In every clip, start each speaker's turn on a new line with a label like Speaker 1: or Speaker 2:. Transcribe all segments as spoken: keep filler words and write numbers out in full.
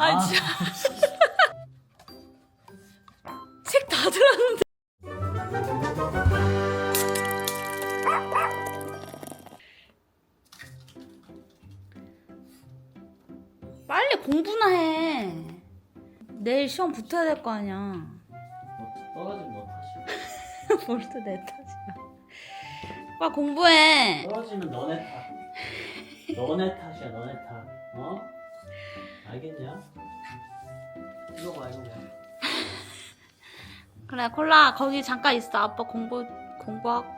Speaker 1: 아 진짜. 책 다 들었는데. 빨리 공부나 해. 내일 시험 붙어야 될 거 아니야.
Speaker 2: 너 떨어지면 너 탓이야.
Speaker 1: 뭘 또 내 탓이야. 빨리 공부해.
Speaker 2: 떨어지면 너네 탓. 너네 탓이야 너네 탓. 어? 알겠냐? 이거 봐 이거 봐.
Speaker 1: 그래 콜라 거기 잠깐 있어. 아빠 공부 공부하고.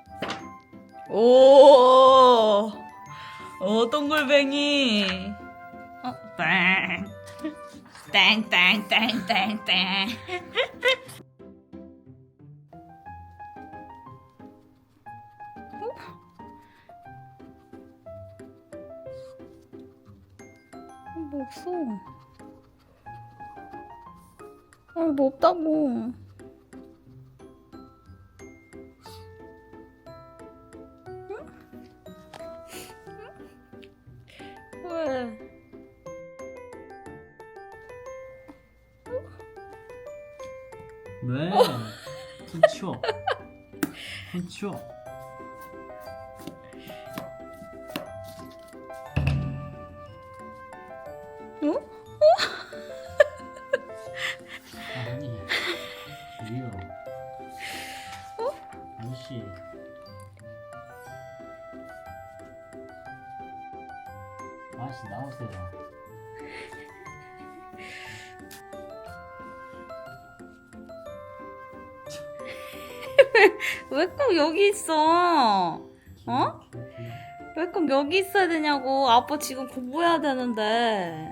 Speaker 1: 오, 오 동글뱅이. 어, 땡, 땡, 땡, 땡, 땡, 땡. 어? 뭐 없어. 아, 뭐 없다고. 왜?
Speaker 2: 왜? 손 치워. 손 치워.
Speaker 1: 어?
Speaker 2: 아니 이리요. 아저씨. 아저씨 나오세요.
Speaker 1: 왜 꼭 여기 있어? 어? 왜 꼭 여기 있어야 되냐고. 아빠 지금 공부해야 되는데.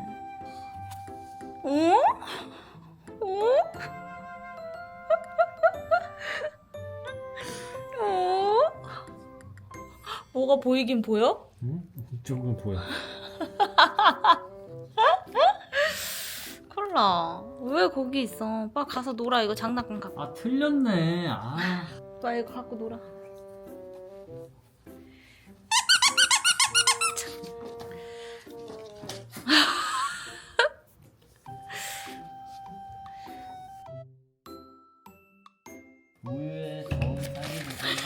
Speaker 1: 어? 어? 어? 뭐가 보이긴 보여?
Speaker 2: 응? 이쪽은 보여.
Speaker 1: 콜라 왜 거기 있어? 빨리 가서 놀아. 이거 장난감 갖고.
Speaker 2: 아 틀렸네. 아.
Speaker 1: 빨리 이거 갖고 놀아.
Speaker 2: 우유에 저온 딸기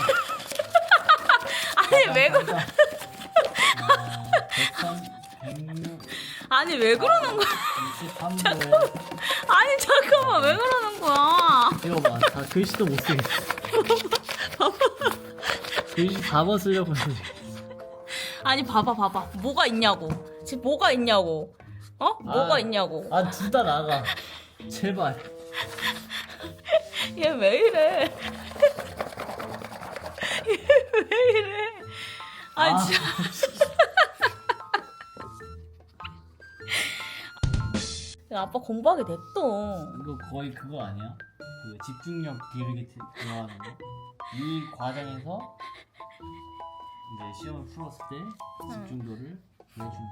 Speaker 1: 아니 왜 그러?
Speaker 2: 아, 백삼, 백육,
Speaker 1: 아니 왜 그러는 거야?
Speaker 2: 이십삼 도.
Speaker 1: 아니 잠깐만 왜 그러는 거야?
Speaker 2: 이거 봐, 다 글씨도 못 쓰겠어. 글씨 다 벗으려고 했는데.
Speaker 1: 아니 봐봐 봐봐 뭐가 있냐고. 지금 뭐가 있냐고. 어? 뭐가
Speaker 2: 아.
Speaker 1: 있냐고.
Speaker 2: 아, 둘 다 나가. 제발.
Speaker 1: 얘 왜 이래? 얘 왜 이래? 아니
Speaker 2: 아,
Speaker 1: 진짜. 야, 아빠 공부하게 냅둬.
Speaker 2: 이거 거의 그거 아니야? 그 집중력 기르기 들어가는 거? 이 과정에서 이제 시험을 풀었을 때 집중도를 보여주는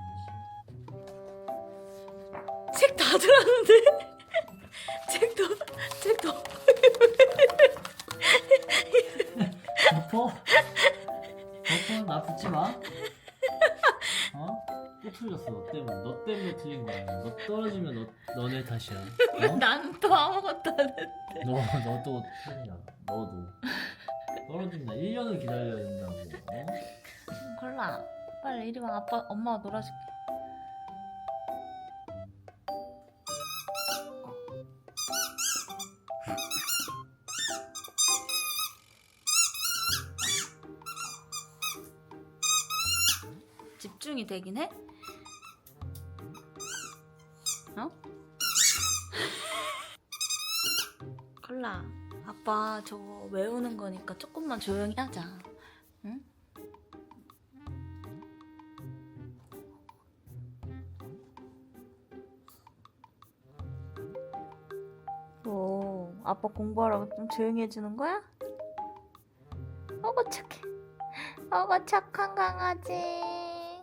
Speaker 2: 거지.
Speaker 1: 책 다 들었는데? 책도 책도.
Speaker 2: 덮어? 덮어? 나 붙지 마. 어? 또 틀렸어. 너 때문에. 너 때문에 틀린 거야. 너 떨어지면 너, 너네 탓이야. 어?
Speaker 1: 나는 또 아무것도 안 했는데.
Speaker 2: 너, 너도 틀리냐. 너도. 떨어진다. 일 년을 기다려야 된다고. 어?
Speaker 1: 콜라 빨리 이리 와. 아빠 엄마가 놀아줄게. 집중이 되긴 해? 어? 콜라 아빠 저거 외우는 거니까 조금만 조용히 하자. 응? 뭐 아빠 공부하라고 좀 조용히 해주는 거야? 어구 착해. 어구 착한 강아지.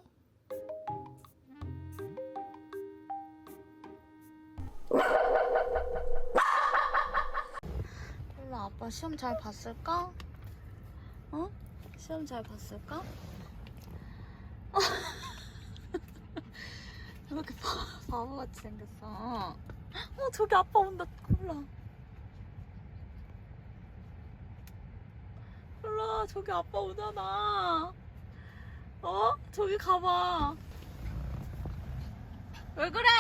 Speaker 1: 콜라 아빠 시험 잘 봤을까? 어? 시험 잘 봤을까? 왜 이렇게 바, 바보같이 생겼어? 어, 저기 아빠 온다. 콜라. 콜라, 저기 아빠 오잖아. 어? 저기 가봐. 왜 그래?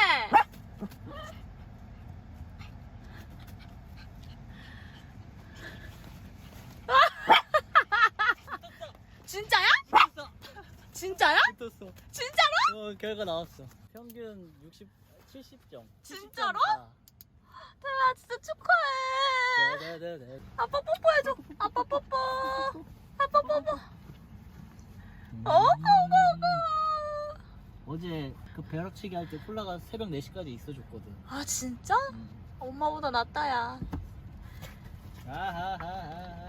Speaker 1: 진짜야? 진짜야?
Speaker 2: 붙었어.
Speaker 1: 진짜로?
Speaker 2: 어, 결과 나왔어. 평균 육십, 칠십 점.
Speaker 1: 진짜로?
Speaker 2: 칠십 점
Speaker 1: 태아 진짜 축하해.
Speaker 2: 네네네.
Speaker 1: 아빠 뽀뽀해줘. 아빠 뽀뽀. 아빠 뽀뽀. 어? 어머머.
Speaker 2: 어제 그 벼락치기 할 때 콜라가 새벽 네 시까지 있어줬거든.
Speaker 1: 아 진짜?
Speaker 2: 음.
Speaker 1: 엄마보다 낫다 야.
Speaker 2: 아하하하.